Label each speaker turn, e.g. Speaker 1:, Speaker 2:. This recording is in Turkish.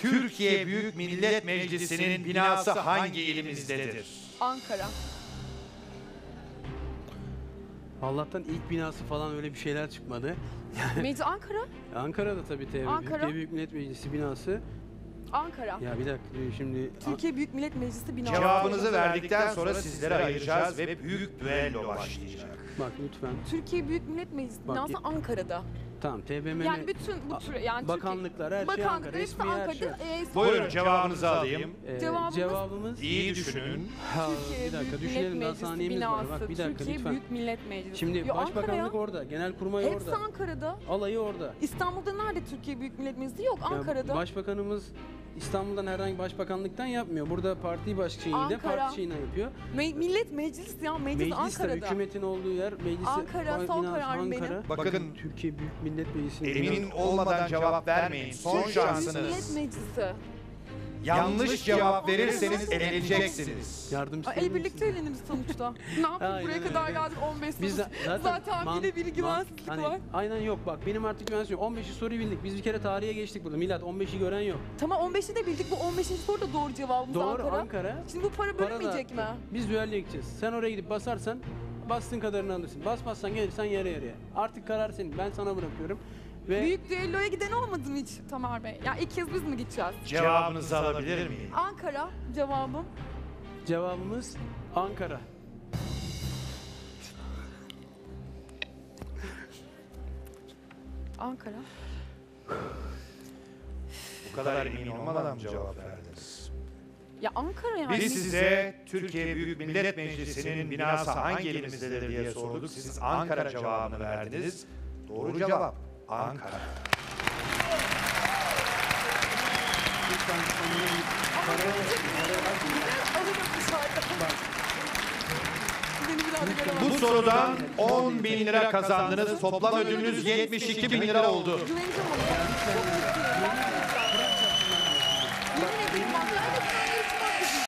Speaker 1: Türkiye Büyük Millet Meclisi'nin binası hangi ilimizdedir?
Speaker 2: Ankara.
Speaker 3: Allah'tan ilk binası falan öyle bir şeyler çıkmadı.
Speaker 2: Meclis Ankara.
Speaker 3: Ankara'da tabii
Speaker 2: Ankara.
Speaker 3: Türkiye Büyük Millet Meclisi binası.
Speaker 2: Ankara.
Speaker 3: Ya bir dakika şimdi...
Speaker 2: Türkiye Büyük Millet Meclisi binası.
Speaker 1: Cevabınızı verdikten sonra sizlere ayıracağız ve büyük düello başlayacak.
Speaker 3: Bak lütfen.
Speaker 2: Türkiye Büyük Millet Meclisi
Speaker 3: Bak,
Speaker 2: binası Ankara'da.
Speaker 3: Tamam TBMM...
Speaker 2: Yani bütün bu tür yani
Speaker 3: bakanlıklar, her şey Ankara,
Speaker 2: hepsi
Speaker 3: resmi her şey.
Speaker 2: Ankara'da.
Speaker 1: Buyurun cevabınızı alayım.
Speaker 3: Cevabımız...
Speaker 1: İyi düşünün.
Speaker 2: Türkiye
Speaker 3: bir dakika
Speaker 2: Büyük
Speaker 3: düşünelim,
Speaker 2: Millet
Speaker 3: daha
Speaker 2: Meclisi
Speaker 3: saniyemiz var.
Speaker 2: binası.
Speaker 3: Bak bir dakika
Speaker 2: Türkiye
Speaker 3: lütfen.
Speaker 2: Büyük Millet Meclisi.
Speaker 3: Şimdi
Speaker 2: Yo,
Speaker 3: Başbakanlık
Speaker 2: Ankara.
Speaker 3: orada, Genelkurmay
Speaker 2: Hepsi
Speaker 3: orada.
Speaker 2: Ankara'da.
Speaker 3: Alayı orada.
Speaker 2: İstanbul'da nerede Türkiye Büyük Millet Meclisi? Yok, Ankara'da.
Speaker 3: Yani başbakanımız İstanbul'dan herhangi başbakanlıktan yapmıyor. Burada parti başkanıyla
Speaker 2: Ankara.
Speaker 3: parti şeyine yapıyor.
Speaker 2: Millet Meclisi ya, meclis
Speaker 3: Meclis de
Speaker 2: Ankara'da.
Speaker 3: hükümetin olduğu yer. Meclis
Speaker 2: Ankara, son
Speaker 3: binası
Speaker 2: kararım
Speaker 3: Ankara.
Speaker 2: benim.
Speaker 1: Bakın,
Speaker 3: Türkiye Büyük Millet Meclisi'nin
Speaker 1: emin olmadan cevap vermeyin. Son
Speaker 2: Türkiye Büyük
Speaker 1: şansınız.
Speaker 2: Millet Meclisi.
Speaker 1: Yanlış cevap verirseniz eleneceksiniz.
Speaker 3: yardımcı
Speaker 2: El birlikte eğleniriz sonuçta. Ne yapayım,
Speaker 3: Aynen
Speaker 2: buraya
Speaker 3: öyle.
Speaker 2: kadar geldik 15 soru.
Speaker 3: Biz
Speaker 2: Zaten bir de bir güvensizlik
Speaker 3: hani,
Speaker 2: var.
Speaker 3: Aynen yok bak benim artık güvensizlik yok. 15'i soruyu bildik. Biz bir kere tarihe geçtik burada. Millet 15'i gören yok.
Speaker 2: Tamam 15'i de bildik, bu 15. soru da doğru cevabımız
Speaker 3: Doğru
Speaker 2: Ankara.
Speaker 3: Ankara.
Speaker 2: Şimdi bu para bölünmeyecek mi?
Speaker 3: Biz düelloya gideceğiz. Sen oraya gidip basarsan bastığın kadarını alırsın. Basmazsan gelirsen yarı yarıya. Artık karar senin. Ben sana bırakıyorum. Ve
Speaker 2: Büyük düelloya giden olmadı mı hiç Tamer Bey? Ya ilk kez biz mi gideceğiz?
Speaker 1: Cevabınızı alabilir miyim?
Speaker 2: Ankara cevabım.
Speaker 3: cevabımız Ankara.
Speaker 2: Ankara.
Speaker 1: Bu kadar emin olmadan mı cevap verdiniz?
Speaker 2: Ya Ankara yani.
Speaker 1: Biz size Türkiye Büyük Millet Meclisi'nin binası hangi elimizdedir diye sorduk. Siz Ankara cevabını verdiniz. Doğru cevap Ankara.
Speaker 2: Alırım dışarıda. Beni bir daha da göremez.
Speaker 1: Bu sorudan 10.000 lira kazandınız. Toplam ödülünüz 72.000 lira oldu.
Speaker 2: Güveneceğim ona.